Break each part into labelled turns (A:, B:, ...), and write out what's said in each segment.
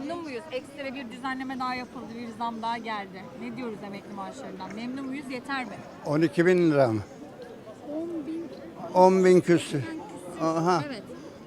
A: Memnun muyuz? Ekstra bir düzenleme daha yapıldı, bir zam daha geldi. Ne diyoruz emekli maaşlarından? Memnun muyuz? Yeter mi?
B: 12 bin lira mı?
A: 10 bin.
B: 10 bin küsür. Aha.
A: Evet.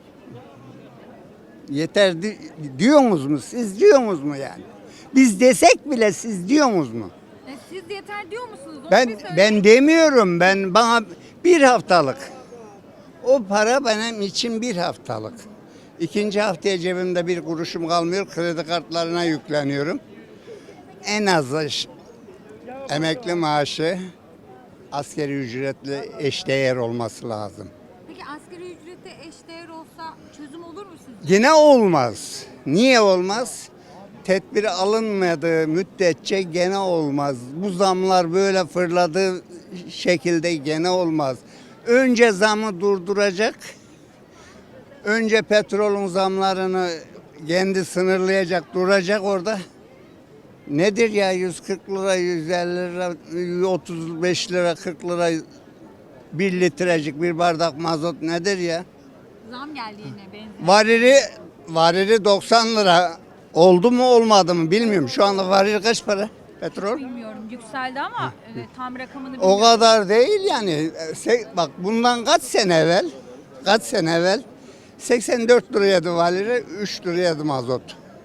B: Yeter diyorsunuz mu? Siz diyorsunuz mu yani? Biz desek bile siz diyorsunuz mu?
A: Siz yeter diyor musunuz? Onu
B: Ben
A: bir söyleyin.
B: ben demiyorum. Bana bir haftalık. O para benim için bir haftalık. İkinci haftaya cebimde bir kuruşum kalmıyor. Kredi kartlarına yükleniyorum. En azı emekli maaşı asgari ücretle eşdeğer olması lazım.
A: Peki asgari ücrete eşdeğer olsa çözüm olur mu sizce?
B: Yine olmaz. Niye olmaz? Tedbir alınmadığı müddetçe gene olmaz. Bu zamlar böyle fırladığı şekilde gene olmaz. Önce zamı durduracak. Önce petrolün zamlarını kendi sınırlayacak, duracak orada. Nedir ya 140 lira, 150 lira, 35 lira, 40 lira bir litrecik bir bardak mazot nedir ya?
A: Zam geldi yine benzin.
B: Varili 90 lira oldu mu olmadı mı bilmiyorum. Şu anda varil kaç para petrol?
A: Bilmiyorum yükseldi ama tam rakamını
B: O
A: bilmiyorum.
B: kadar değil yani. Bak bundan kaç sene evvel 84 liraydı varili, 3 liraydı mazot.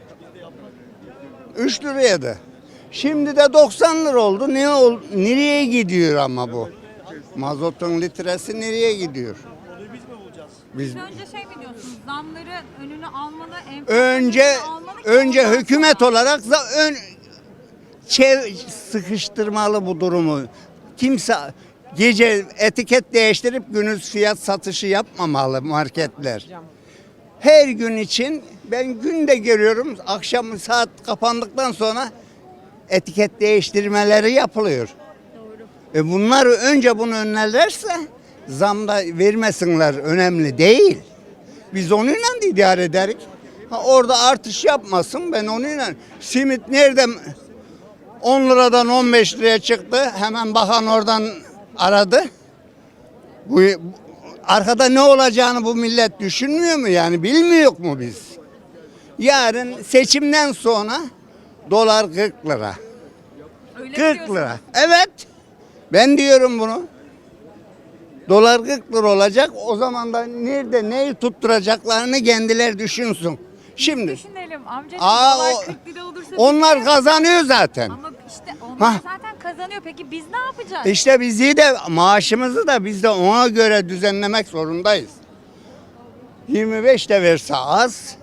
B: 3 liraydı. Şimdi de 90 lira oldu. Nereye gidiyor ama bu? Mazotun litresi nereye gidiyor? Biz
A: Önce şey mi diyorsunuz? Zamları önünü almalı,
B: önce
A: enflasyonu almalı ki
B: önce
A: ondan
B: hükümet
A: sonra-
B: olarak sıkıştırmalı bu durumu. Kimse gece etiket değiştirip gündüz fiyat satışı yapmamalı marketler. Her gün için ben günde görüyorum akşam saat kapandıktan sonra etiket değiştirmeleri yapılıyor.
A: Doğru.
B: Bunlar önce bunu önlerlerse zamda vermesinler önemli değil. Biz onunla da idare ederiz. Orada artış yapmasın ben onunla. Simit nerede 10 liradan 15 liraya çıktı. Hemen bakan oradan aradı. Bu arkada ne olacağını bu millet düşünmüyor mu yani bilmiyor mu biz? Yarın seçimden sonra dolar 40 lira.
A: Öyle
B: 40
A: diyorsunuz.
B: lira. Evet. Ben diyorum bunu. Dolar 40 lira olacak. O zaman da nerede neyi tutturacaklarını kendileri düşünsün. Şimdi
A: Düşünelim amcacığım.
B: Aa,
A: Dolar
B: o-
A: 40 lira olursa
B: onlar
A: biz ne
B: kazanıyor zaten.
A: Ama işte onlar
B: Hah.
A: zaten kazanıyor. Peki biz ne yapacağız?
B: İşte bizi de maaşımızı da biz de ona göre düzenlemek zorundayız. 25 de verse az,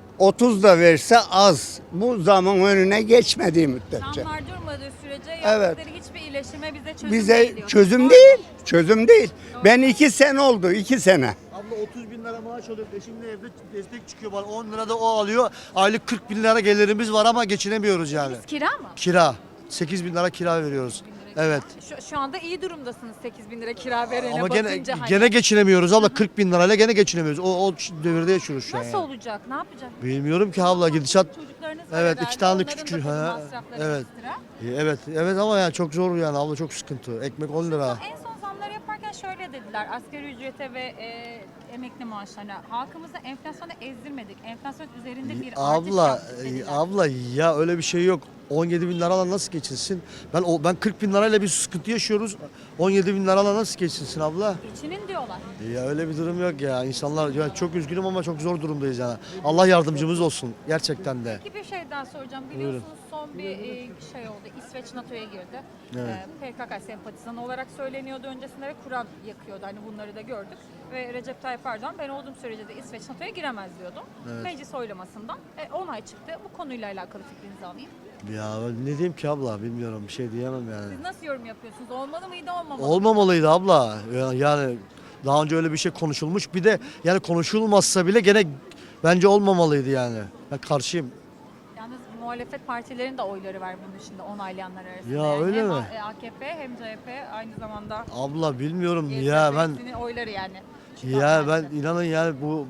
B: 30 da verse az. Bu zaman önüne geçmediği müddetçe.
A: Zamlar durmadığı sürece
B: Evet.
A: yaptıkları hiçbir iyileştirme bize çözüm
B: Bize
A: değil diyorsunuz.
B: çözüm
A: Doğru
B: değil.
A: mu?
B: Çözüm değil. Ben 2 sene oldu. 2 sene.
C: Abla 30 bin lira maaş alıyor. Eşimle evde destek çıkıyor bana. 10 lira da o alıyor. Aylık 40 bin lira gelirimiz var ama geçinemiyoruz yani.
A: Biz kira mı?
C: Kira. 8 bin lira kira veriyoruz. Evet.
A: Şu anda iyi durumdasınız 8 bin lira kira verene
C: Ama gene
A: bakınca. hani.
C: gene geçinemiyoruz abla. 40 bin lirayla gene geçinemiyoruz. O devirde yaşıyoruz şu an.
A: Nasıl
C: yani.
A: olacak? Ne yapacak?
C: Bilmiyorum ki abla gidişat.
A: Çocuklarınız var
C: Evet,
A: herhalde,
C: 2 tane
A: onların da
C: küçük.
A: tabii
C: Ha,
A: masrafları
C: evet.
A: ekstra.
C: Evet ama yani çok zor yani abla, çok sıkıntı. Ekmek 10 lira.
A: En son zamları yaparken şöyle dediler. Asgari ücrete ve emekli maaşlarına. Halkımızı enflasyona ezdirmedik. Enflasyon üzerinde bir artış
C: Abla,
A: yaptık dediler.
C: abla ya öyle bir şey yok. 17 bin liradan nasıl geçinsin? Ben 40 bin lirayla bir sıkıntı yaşıyoruz. 17 bin liradan nasıl geçinsin abla?
A: Geçinin diyorlar.
C: Ya öyle bir durum yok ya. İnsanlar ya çok üzgünüm ama çok zor durumdayız yani. Allah yardımcımız olsun gerçekten de.
A: Peki bir şey daha soracağım. Biliyorsunuz son bir şey oldu. İsveç NATO'ya girdi.
C: Evet.
A: PKK sempatizanı olarak söyleniyordu öncesinde ve Kur'an yakıyordu. Hani bunları da gördük. Ve Recep Tayyip Erdoğan ben olduğum sürece de İsveç NATO'ya giremez diyordu.
C: Evet.
A: Meclis oylamasından onay çıktı. Bu konuyla alakalı fikrinizi alayım.
C: Ya ben ne diyeyim ki abla, bilmiyorum, bir şey diyemem yani.
A: Siz nasıl yorum yapıyorsunuz? Olmalı mıydı, olmamalı mıydı?
C: Olmamalıydı abla. Yani daha önce öyle bir şey konuşulmuş. Bir de yani konuşulmazsa bile gene bence olmamalıydı yani. Ben karşıyım.
A: Yalnız muhalefet partilerin de oyları var bunun dışında onaylayanlar arasında.
C: Ya
A: Yani
C: öyle
A: hem
C: mi?
A: AKP hem CHP aynı zamanda
C: Abla bilmiyorum ya ben
A: hepsinin oyları yani.
C: ya ben inanın yani bu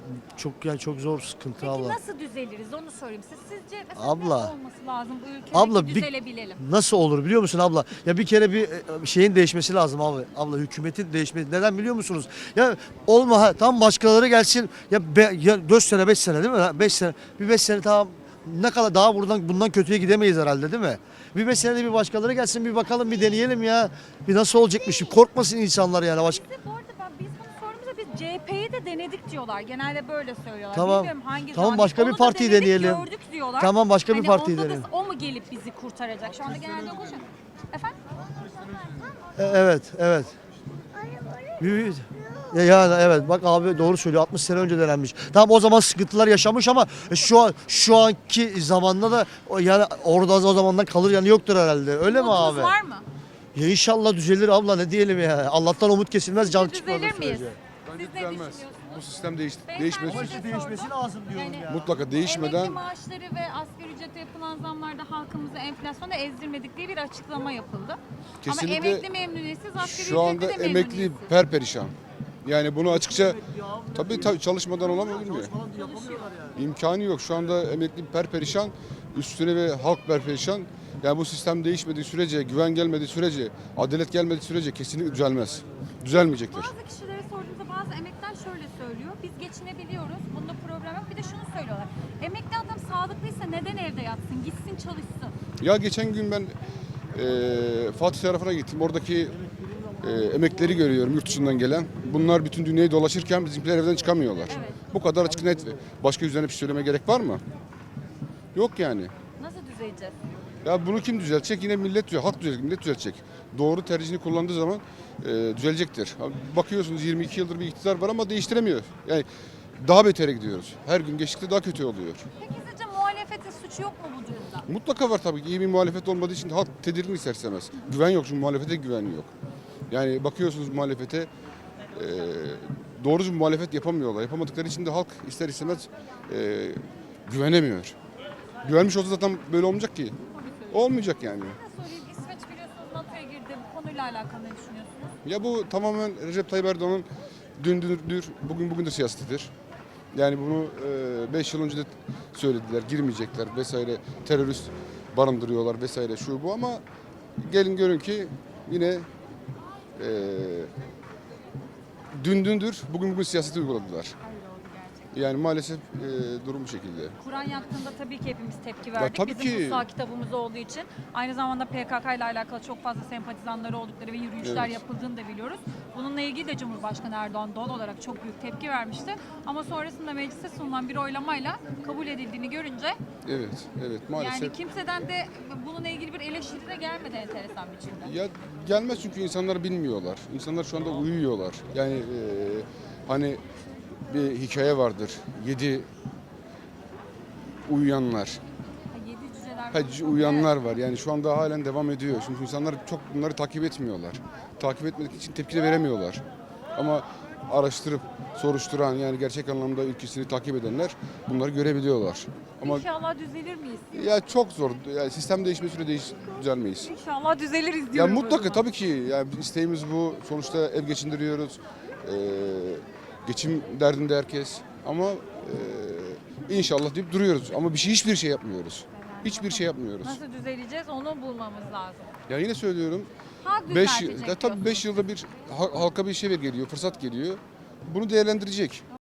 C: çok zor sıkıntı
A: Peki
C: abla.
A: nasıl düzeliriz onu sorayım. Sizce mesela
C: Abla.
A: ne olması lazım bu ülkede
C: Abla,
A: ki
C: bir-
A: düzelebilelim?
C: Nasıl olur biliyor musun abla? Ya bir kere bir şeyin değişmesi lazım abi. Abla hükümetin değişmesi. Neden biliyor musunuz? Ya tam başkaları gelsin. Ya 4 sene 5 sene değil mi? 5 sene. Bir 5 sene tamam ne kadar daha bundan kötüye gidemeyiz herhalde değil mi? Bir 5 senede bir başkaları gelsin bir bakalım bir deneyelim ya. Bir nasıl olacakmış korkmasın insanlar yani.
A: Biz de bu arada biz bunu sorduğumuzda biz CHP'yi de denedik diyorlar. Genelde böyle söylüyorlar.
C: Tamam.
A: Bilmiyorum hangi
C: Tamam,
A: zaman.
C: başka bir
A: Onu da
C: partiyi
A: denedik,
C: deneyelim.
A: Gördük diyorlar.
C: Tamam, başka bir partiyi
A: onda da
C: deneyelim.
A: o mu gelip bizi kurtaracak? Şu anda genelde o konuşuyor. Efendim?
C: Evet. Yani evet bak abi doğru söylüyor 60 sene önce denenmiş. Tamam o zaman sıkıntılar yaşamış ama şu anki zamanda da yani orada o zamandan kalır yani yoktur herhalde. Öyle mi
A: Umudunuz
C: abi?
A: var mı?
C: Ya inşallah düzelir abla ne diyelim ya. Allah'tan umut kesilmez can çıkmaz.
A: Düzelir miyiz?
D: Bence
A: Siz ne
D: düzelmez.
A: düşünüyorsunuz?
D: Bu sistem
A: Beyefendi
D: değişmesi
A: size
D: için
C: değişmesi lazım diyorum ya.
D: mutlaka değişmeden
A: Emekli maaşları ve asgari ücrete yapılan zamlarda halkımızı enflasyona ezdirmedik diye bir açıklama yapıldı.
D: Kesinlikle
A: Ama emekli memnuniyetsiz, asgari
D: şu anda
A: ücretli de
D: emekli
A: memnuniyetsiz.
D: perperişan. Yani bunu açıkça tabii çalışmadan olamıyor mu? İmkanı yok. Şu anda emekli perperişan, üstüne ve halk perperişan. Yani bu sistem değişmediği sürece, güven gelmediği sürece, adalet gelmediği sürece kesinlikle düzelmez. Düzelmeyecektir.
A: Bazı kişilere sorduğumuzda bazı emekliler şöyle söylüyor. Biz geçinebiliyoruz. Bunda problem yok. Bir de şunu söylüyorlar. Emekli adam sağlıklıysa neden evde yatsın? Gitsin çalışsın.
D: Ya geçen gün ben Fatih tarafına gittim. Oradaki emeklileri görüyorum yurt dışından gelen. Bunlar bütün dünyayı dolaşırken bizimkiler evden çıkamıyorlar.
A: Evet.
D: Bu kadar açık net. Başka üzerine bir şey söyleme gerek var mı? Yok yani.
A: Nasıl düzeleceğiz?
D: Ya bunu kim düzeltecek? Yine millet düzelecek. Halk düzelecek, millet düzelecek. Doğru tercihini kullandığı zaman düzelecektir. Bakıyorsunuz 22 yıldır bir iktidar var ama değiştiremiyor. Yani daha betere gidiyoruz. Her gün geçtikçe daha kötü oluyor.
A: Peki sizce muhalefetin suçu yok mu bu durumda?
D: Mutlaka var tabii ki. İyi bir muhalefet olmadığı için halk tedirgin ister istemez. Güven yok çünkü muhalefete güven yok. Yani bakıyorsunuz muhalefete doğru bir muhalefet yapamıyorlar. Yapamadıkları için de halk ister istemez güvenemiyor. Güvenmiş olsa zaten böyle olmayacak ki. Olmayacak yani.
A: Ne sorayım? İsveç biliyorsunuz NATO'ya girdi. Bu konuyla alakalı ne düşünüyorsunuz?
D: Ya bu tamamen Recep Tayyip Erdoğan'ın dündür, bugün de siyasetidir. Yani bunu 5 yıl önce de söylediler, girmeyecekler vesaire, terörist barındırıyorlar vesaire şu bu ama gelin görün ki yine dündür, bugün siyaseti uyguladılar.
A: Öyle oldu gerçekten.
D: Yani maalesef durum bu şekilde.
A: Kur'an yaktığında tabii ki hepimiz tepki verdik.
D: tabii
A: Bizim
D: ki.
A: kutsal kitabımız olduğu için. Aynı zamanda PKK ile alakalı çok fazla sempatizanları oldukları ve yürüyüşler
D: Evet.
A: yapıldığını da biliyoruz. Bununla ilgili de Cumhurbaşkanı Erdoğan doğal olarak çok büyük tepki vermişti. Ama sonrasında meclise sunulan bir oylamayla kabul edildiğini görünce
D: Evet maalesef.
A: yani kimseden de bununla ilgili bir eleştiri de gelmedi enteresan biçimde.
D: Ya gelmez çünkü insanlar bilmiyorlar. İnsanlar şu anda uyuyorlar. Yani hani bir hikaye vardır. 7 uyuyanlar.
A: Yedi cüceler.
D: Uyanlar var. Yani şu anda halen devam ediyor. Çünkü insanlar çok bunları takip etmiyorlar. Takip etmedik için tepki de veremiyorlar. Ama araştırıp soruşturan yani gerçek anlamda ülkesini takip edenler bunları görebiliyorlar. Ama
A: İnşallah düzelir miyiz?
D: ya çok zor. Yani sistem değişme süre düzelmeyiz.
A: İnşallah düzeliriz
D: Ya
A: diyorum. o
D: mutlaka
A: zaman.
D: tabii ki. Yani isteğimiz bu. Sonuçta ev geçindiriyoruz. Geçim derdinde herkes. Ama inşallah deyip duruyoruz. Ama hiçbir şey yapmıyoruz. Hiçbir şey yapmıyoruz.
A: Nasıl düzeleceğiz onu bulmamız lazım.
D: Ya yine söylüyorum.
A: Halk
D: 5
A: düzeltecek
D: tabii 5 yılda bir halka bir şey geliyor, fırsat geliyor. Bunu değerlendirecek.